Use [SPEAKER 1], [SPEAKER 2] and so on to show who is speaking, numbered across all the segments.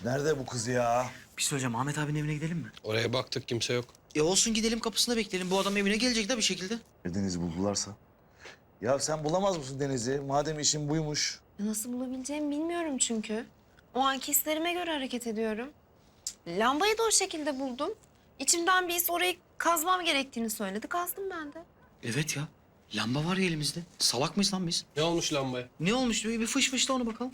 [SPEAKER 1] Nerede bu kız ya?
[SPEAKER 2] Bir şey söyleyeceğim. Ahmet abinin evine gidelim mi?
[SPEAKER 3] Oraya baktık kimse yok.
[SPEAKER 2] Olsun gidelim kapısında bekleyelim. Bu adam evine gelecek de bir şekilde.
[SPEAKER 1] Deniz'i buldularsa? Ya sen bulamaz mısın Deniz'i? Madem işin buymuş.
[SPEAKER 4] Nasıl bulabileceğimi bilmiyorum çünkü. O anki hislerime göre hareket ediyorum. Lambayı da o şekilde buldum. İçimden bir his orayı kazmam gerektiğini söyledi. Kazdım ben de.
[SPEAKER 2] Evet ya. Lamba var ya elimizde. Salak mıyız lan biz?
[SPEAKER 3] Ne olmuş lambaya?
[SPEAKER 2] Ne olmuş? Bir fış fışla onu bakalım.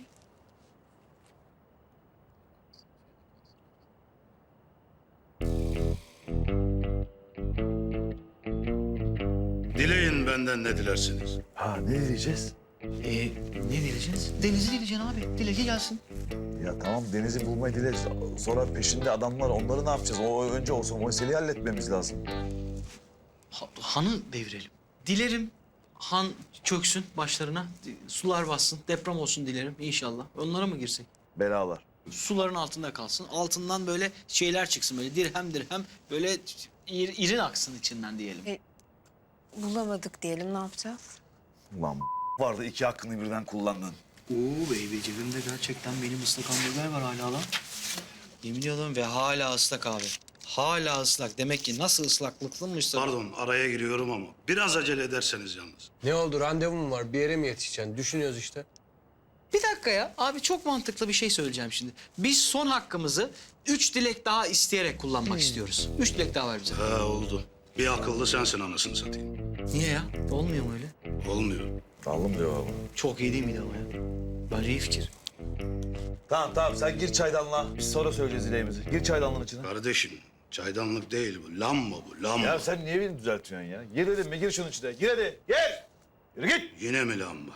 [SPEAKER 5] Dileyin benden ne dilersiniz.
[SPEAKER 1] Ha ne diyeceğiz?
[SPEAKER 2] Ne diyeceğiz? Deniz'i dileyeceksin abi. Dile ki gelsin.
[SPEAKER 1] Ya tamam Deniz'i bulmayı dile. Sonra peşinde adamlar onları ne yapacağız? O önce olsa o meseleyi halletmemiz lazım.
[SPEAKER 2] Han'ı devirelim. Dilerim Han çöksün başlarına. Sular bassın. Deprem olsun dilerim inşallah. Onlara mı girsek?
[SPEAKER 1] Belalar.
[SPEAKER 2] Suların altında kalsın. Altından böyle şeyler çıksın böyle dirhem dirhem böyle irin aksın içinden diyelim.
[SPEAKER 4] Bulamadık diyelim, ne yapacağız?
[SPEAKER 1] Ulan vardı iki hakkını birden kullandın.
[SPEAKER 2] Oo baby cebimde gerçekten benim ıslak hamburger var hala lan. Yemin ediyorum ve hala ıslak abi. Hala ıslak. Demek ki nasıl ıslaklıklıymışsa...
[SPEAKER 5] Pardon araya giriyorum ama biraz acele ederseniz yalnız.
[SPEAKER 3] Ne oldu? Randevum mu var? Bir yere mi yetişeceksin? Düşünüyoruz işte.
[SPEAKER 2] Bir dakika ya. Abi çok mantıklı bir şey söyleyeceğim şimdi. Biz son hakkımızı 3 dilek daha isteyerek kullanmak istiyoruz. 3 dilek daha var bize.
[SPEAKER 5] Ha oldu. Bir akıllı sensin anasını satayım.
[SPEAKER 2] Niye ya? Olmuyor mu öyle?
[SPEAKER 5] Olmuyor.
[SPEAKER 1] Aldım cevabı.
[SPEAKER 2] Çok iyi değil miydi ama ya? Bence iyi fikir.
[SPEAKER 1] Tamam sen gir çaydanlığa. Biz sonra söyleyeceğiz dileğimizi. Gir çaydanlığın içine.
[SPEAKER 5] Kardeşim çaydanlık değil bu. Lamba bu lamba.
[SPEAKER 1] Ya sen niye beni düzeltiyorsun ya? Gir dedim mi? Gir şunun içine. Gir hadi. Gir. Yürü git.
[SPEAKER 5] Yine mi lamba?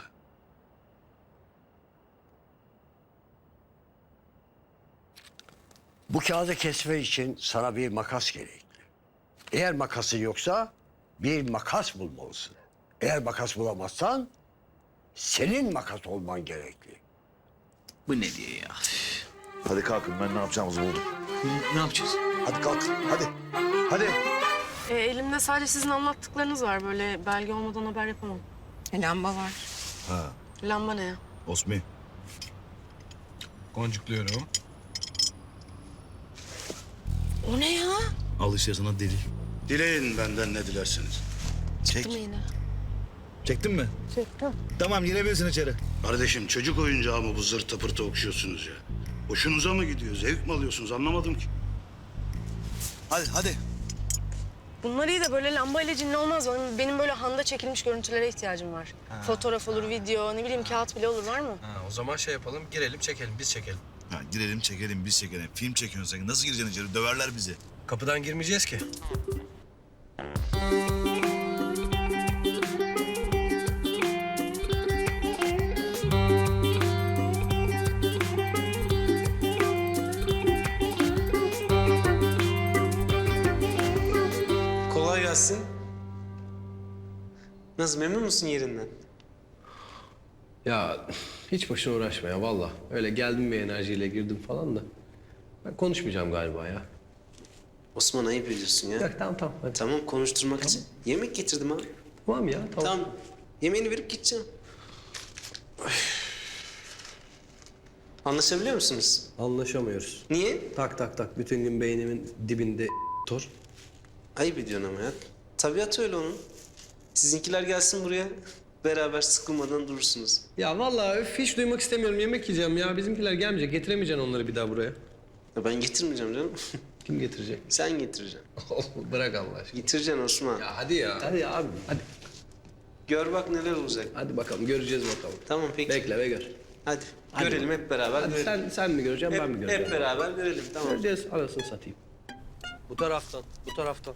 [SPEAKER 6] Bu kağıdı kesmek için sana bir makas gerekli. Eğer makasın yoksa bir makas bulmalısın. Eğer makas bulamazsan senin makas olman gerekli.
[SPEAKER 2] Bu ne diye ya?
[SPEAKER 1] Hadi kalkın ben ne yapacağımızı buldum.
[SPEAKER 2] Ne yapacağız?
[SPEAKER 1] Hadi kalk. Hadi. Hadi.
[SPEAKER 7] Elimde sadece sizin anlattıklarınız var. Böyle belge olmadan haber yapamam.
[SPEAKER 4] Lamba var.
[SPEAKER 1] Ha.
[SPEAKER 7] Lamba ne ya?
[SPEAKER 1] Osmi.
[SPEAKER 3] Boncukluyorum.
[SPEAKER 4] O ne ya?
[SPEAKER 1] Al işte sana delil.
[SPEAKER 5] Dileyin benden ne dilersiniz.
[SPEAKER 1] Çek.
[SPEAKER 4] Değil mi yine?
[SPEAKER 1] Çektin mi? Çektim. Tamam girebilirsin içeri.
[SPEAKER 5] Kardeşim çocuk oyuncağı mı bu zırta pırta okşuyorsunuz ya? Hoşunuza mı gidiyor? Zevk mi alıyorsunuz? Anlamadım ki.
[SPEAKER 1] Hadi hadi.
[SPEAKER 7] Bunlar iyi de böyle lamba ile cinli olmaz. Benim böyle handa çekilmiş görüntülere ihtiyacım var. Fotoğraf olur, video, ne bileyim kağıt bile olur. Var mı?
[SPEAKER 3] Ha, o zaman şey yapalım, girelim, çekelim, biz çekelim.
[SPEAKER 1] Ha, girelim çekelim biz çekelim. Film çekiyorsun sen. Nasıl gireceksin içeri? Döverler bizi.
[SPEAKER 3] Kapıdan girmeyeceğiz ki.
[SPEAKER 8] Kolay gelsin. Nasıl, memnun musun yerinden?
[SPEAKER 3] Ya hiç boşuna uğraşma ya valla. Öyle geldim bir enerjiyle girdim falan da. Ben konuşmayacağım galiba ya.
[SPEAKER 8] Osman ayıp ediyorsun ya.
[SPEAKER 3] Yok tamam hadi.
[SPEAKER 8] Tamam, konuşturmak için. Yemek getirdim abi.
[SPEAKER 3] Tamam ya tamam.
[SPEAKER 8] Tamam, yemeğini verip gideceğim. Anlaşabiliyor musunuz?
[SPEAKER 3] Anlaşamıyoruz.
[SPEAKER 8] Niye?
[SPEAKER 3] Tak bütün gün beynimin dibinde tor.
[SPEAKER 8] Ayıp ediyorsun ama ya. Tabiatı öyle onun. Sizinkiler gelsin buraya. Beraber sıkılmadan durursunuz.
[SPEAKER 3] Ya vallahi hiç duymak istemiyorum. Yemek yiyeceğim ya. Bizimkiler gelmeyecek. Getiremeyeceksin onları bir daha buraya.
[SPEAKER 8] Ya ben getirmeyeceğim canım.
[SPEAKER 3] Kim getirecek?
[SPEAKER 8] Sen getireceksin.
[SPEAKER 3] Bırak Allah aşkına.
[SPEAKER 8] Getireceksin Osman.
[SPEAKER 3] Ya hadi ya. Hadi ya abi. Hadi.
[SPEAKER 8] Gör bak neler olacak.
[SPEAKER 3] Hadi bakalım göreceğiz bakalım.
[SPEAKER 8] Tamam peki.
[SPEAKER 3] Bekle ve gör.
[SPEAKER 8] Hadi, görelim hep beraber
[SPEAKER 3] Hadi
[SPEAKER 8] görelim.
[SPEAKER 3] sen mi göreceksin ben mi göreceğim?
[SPEAKER 8] Hep beraber görelim, tamam.
[SPEAKER 3] Göreceğiz anasını satayım. Bu taraftan, bu taraftan.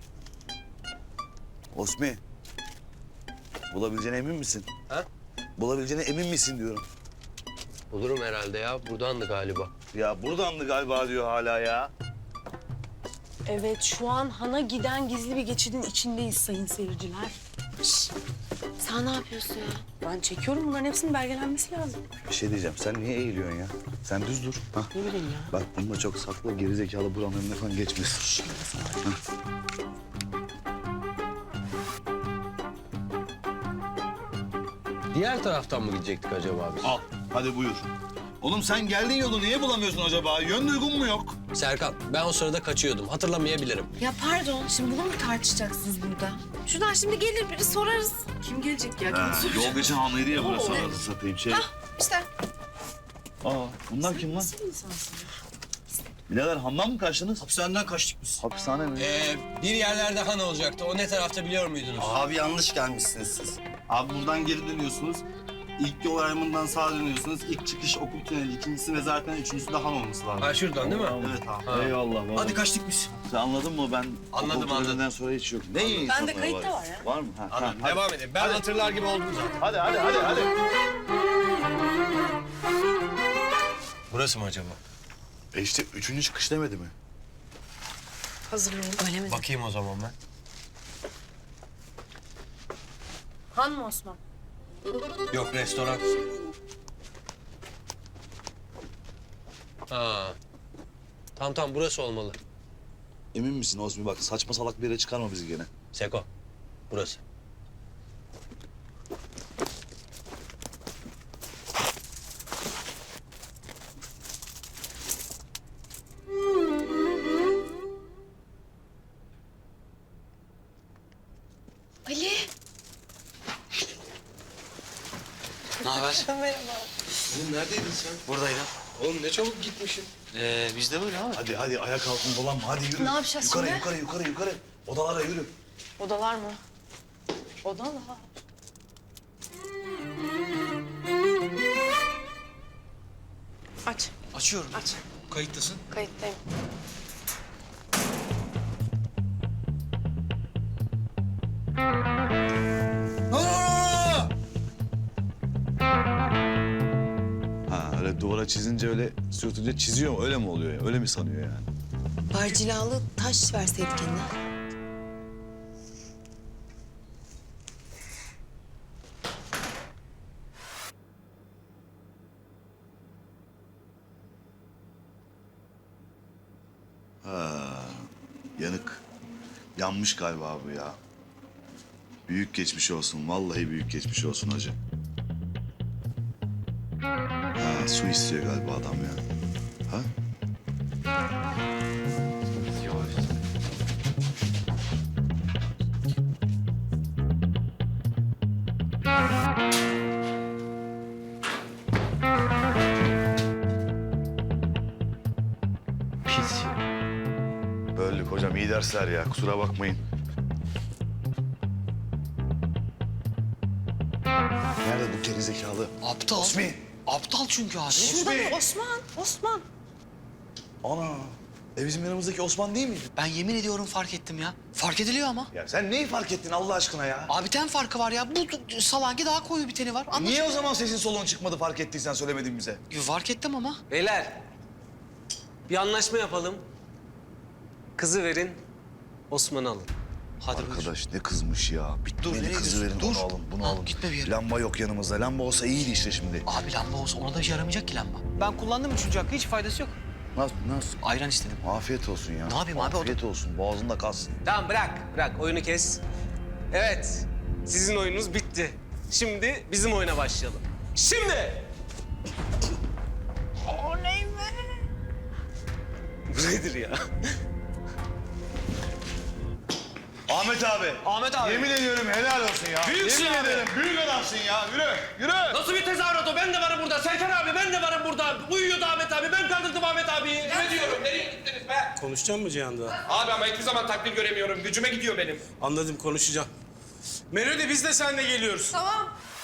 [SPEAKER 1] Osmi. Bulabileceğine emin misin?
[SPEAKER 3] Ha?
[SPEAKER 1] Bulabileceğine emin misin diyorum.
[SPEAKER 3] Bulurum herhalde ya. Buradandı galiba.
[SPEAKER 1] Ya buradandı galiba diyor hala ya.
[SPEAKER 7] Evet, şu an Han'a giden gizli bir geçidin içindeyiz sayın seyirciler.
[SPEAKER 4] Sen ne yapıyorsun ya?
[SPEAKER 7] Ben çekiyorum, bunların hepsinin belgelenmesi lazım.
[SPEAKER 1] Bir şey diyeceğim. Sen niye eğiliyorsun ya? Sen düz dur. Ha?
[SPEAKER 7] Ne bileyim ya.
[SPEAKER 1] Bak bunu da çok sakla. Gerizekalı buranın önüne falan geçmesin.
[SPEAKER 3] Diğer taraftan mı gidecektik acaba biz?
[SPEAKER 2] Al.
[SPEAKER 1] Hadi buyur. Oğlum sen geldiğin yolu niye bulamıyorsun acaba? Yön duygun mu yok?
[SPEAKER 3] Serkan, ben o sırada kaçıyordum. Hatırlamayabilirim.
[SPEAKER 4] Ya pardon, şimdi bunu mu tartışacaksınız burada? Şuradan şimdi gelir biri sorarız.
[SPEAKER 7] Kim gelecek ya?
[SPEAKER 1] Ha, yol geçen anlıydı ya burası anasını satayım şey.
[SPEAKER 4] İşte
[SPEAKER 1] Aa, bunlar kim lan? Birader Handan mı kaçtınız?
[SPEAKER 2] Hapishaneden kaçtık biz.
[SPEAKER 1] Hapishane mi?
[SPEAKER 3] Bir yerlerde han olacaktı. O ne tarafta biliyor muydunuz?
[SPEAKER 9] Abi yanlış gelmişsiniz siz. Abi buradan geri dönüyorsunuz. İlk yol ayrımından sağa dönüyorsunuz. İlk çıkış okul tüneli, ikincisi mezarlıktan, üçüncüsü de han olması lazım.
[SPEAKER 3] Ha şuradan değil mi?
[SPEAKER 9] Evet abi.
[SPEAKER 1] Eyvallah. vallahi.
[SPEAKER 2] Hadi kaçtık biz.
[SPEAKER 1] Sen anladın mı? Ben
[SPEAKER 3] Anladım,
[SPEAKER 1] okul töreninden sonra hiç yok. Ne iyi
[SPEAKER 7] Bende
[SPEAKER 1] insanlar
[SPEAKER 7] kayıt da var ya.
[SPEAKER 1] Var mı? Ha,
[SPEAKER 3] Anladım.
[SPEAKER 1] hadi.
[SPEAKER 3] Devam edelim. Ben hatırlar gibi oldum zaten.
[SPEAKER 1] Hadi.
[SPEAKER 3] Burası mı acaba?
[SPEAKER 1] İşte üçüncü çıkış demedi mi?
[SPEAKER 7] Hazırlayın. Öyle mi?
[SPEAKER 3] Bakayım o zaman ben.
[SPEAKER 7] Han mı Osman?
[SPEAKER 3] Yok, restoran. Ha. Tamam burası olmalı.
[SPEAKER 1] Emin misin Osmi? Bak saçma salak bir yere çıkarma bizi gene.
[SPEAKER 3] Seko, burası.
[SPEAKER 4] Ali.
[SPEAKER 2] Ne haber?
[SPEAKER 3] Oğlum neredeydin sen?
[SPEAKER 2] Buradaydım.
[SPEAKER 3] Oğlum ne çabuk gitmişsin.
[SPEAKER 2] Biz de böyle abi.
[SPEAKER 1] Hadi ayak altında dolanma. Hadi yürü.
[SPEAKER 7] Ne yapacağız
[SPEAKER 1] Yukarı. Odalara yürü.
[SPEAKER 7] Odalar mı? Odalar. Aç.
[SPEAKER 2] Açıyorum.
[SPEAKER 7] Aç.
[SPEAKER 2] Kayıttasın.
[SPEAKER 7] Kayıttayım.
[SPEAKER 1] Ha öyle duvara çizince öyle sürtünce çiziyor mu? Öyle mi oluyor ya? Öyle mi sanıyor yani?
[SPEAKER 10] Barcilalı taş verseydik eline.
[SPEAKER 1] Yanık. Yanmış galiba bu ya. Büyük geçmiş olsun. Vallahi büyük geçmiş olsun hacı. Ha, su istiyor galiba adam ya. Ha?
[SPEAKER 2] Pis ya.
[SPEAKER 1] Böldük hocam. İyi dersler ya. Kusura bakmayın. Nerede bu gerizekalı?
[SPEAKER 2] Aptal.
[SPEAKER 1] Osmi!
[SPEAKER 2] Aptal çünkü abi.
[SPEAKER 1] Osmi!
[SPEAKER 7] Osman.
[SPEAKER 1] Ana! Bizim yanımızdaki Osman değil miydi?
[SPEAKER 2] Ben yemin ediyorum fark ettim ya. Fark ediliyor ama.
[SPEAKER 1] Ya sen neyi fark ettin Allah aşkına ya?
[SPEAKER 2] Abi ten farkı var ya. Bu salangi daha koyu bir teni var. Anlat.
[SPEAKER 1] Niye o zaman sesin soluğun çıkmadı fark ettiysen söylemedin bize?
[SPEAKER 2] Fark ettim ama.
[SPEAKER 8] Beyler, bir anlaşma yapalım. Kızı verin, Osman'ı alın.
[SPEAKER 2] Hadi buyur.
[SPEAKER 1] Arkadaş ne kızmış ya.
[SPEAKER 2] Dur,
[SPEAKER 1] Beni
[SPEAKER 2] nereye
[SPEAKER 1] kızı verin
[SPEAKER 2] gidiyorsun?
[SPEAKER 1] bunu
[SPEAKER 2] Dur.
[SPEAKER 1] alın bunu
[SPEAKER 2] Ha,
[SPEAKER 1] alın.
[SPEAKER 2] gitme bir yere.
[SPEAKER 1] Lamba yok yanımızda. Lamba olsa iyiydi işte şimdi.
[SPEAKER 2] Abi lamba olsa ona da işe yaramayacak ki lamba. Ben kullandım üçüncü hakkı. Hiç faydası yok.
[SPEAKER 1] Nasıl?
[SPEAKER 2] Ayran istedim.
[SPEAKER 1] Afiyet olsun ya.
[SPEAKER 2] Ne yapayım abi, o da-
[SPEAKER 1] Afiyet olsun. Boğazında kalsın.
[SPEAKER 8] Tamam bırak oyunu kes. Evet, sizin oyununuz bitti. Şimdi bizim oyuna başlayalım. Şimdi! Oley be! Bu nedir ya?
[SPEAKER 1] Ahmet abi.
[SPEAKER 2] Ahmet abi.
[SPEAKER 1] Yemin ediyorum helal olsun ya.
[SPEAKER 8] Büyüksün
[SPEAKER 1] Yemin
[SPEAKER 8] abi.
[SPEAKER 1] ederim büyük adamsın ya. Yürü.
[SPEAKER 8] Nasıl bir tezahürat o? Ben de varım burada. Serkan abi ben de varım burada. Uyuyordu Ahmet abi. Ben kandırdım Ahmet abi.
[SPEAKER 11] Ne diyorum? Nereye gittiniz be?
[SPEAKER 9] Konuşacak mı Cihan'da?
[SPEAKER 11] Abi ama hiçbir zaman takdir göremiyorum. Gücüme gidiyor benim.
[SPEAKER 9] Anladım, konuşacağım. Melodi biz de seninle geliyoruz.
[SPEAKER 7] Tamam.